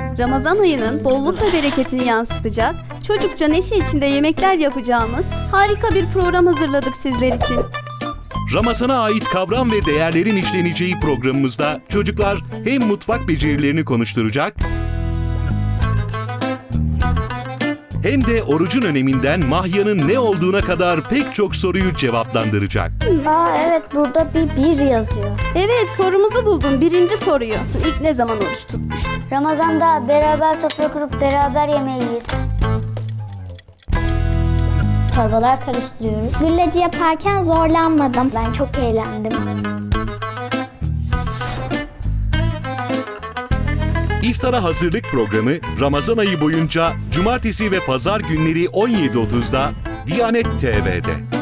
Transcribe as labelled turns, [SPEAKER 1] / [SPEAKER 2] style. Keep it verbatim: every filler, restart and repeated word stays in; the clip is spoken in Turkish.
[SPEAKER 1] Ramazan ayının bolluk ve bereketini yansıtacak, çocukça neşe içinde yemekler yapacağımız harika bir program hazırladık sizler için.
[SPEAKER 2] Ramazana ait kavram ve değerlerin işleneceği programımızda çocuklar hem mutfak becerilerini konuşturacak, hem de orucun öneminden mahyanın ne olduğuna kadar pek çok soruyu cevaplandıracak.
[SPEAKER 3] Aa evet, burada bir bir yazıyor.
[SPEAKER 1] Evet, sorumuzu buldun, birinci soruyu. İlk ne zaman oruç tutmuştun?
[SPEAKER 3] Ramazan'da beraber sofra kurup beraber yemeğiyiz. Çorbalar karıştırıyoruz. Gülleci yaparken zorlanmadım. Ben çok eğlendim.
[SPEAKER 2] İftara hazırlık programı Ramazan ayı boyunca cumartesi ve pazar günleri on yedi otuzda Diyanet T V'de.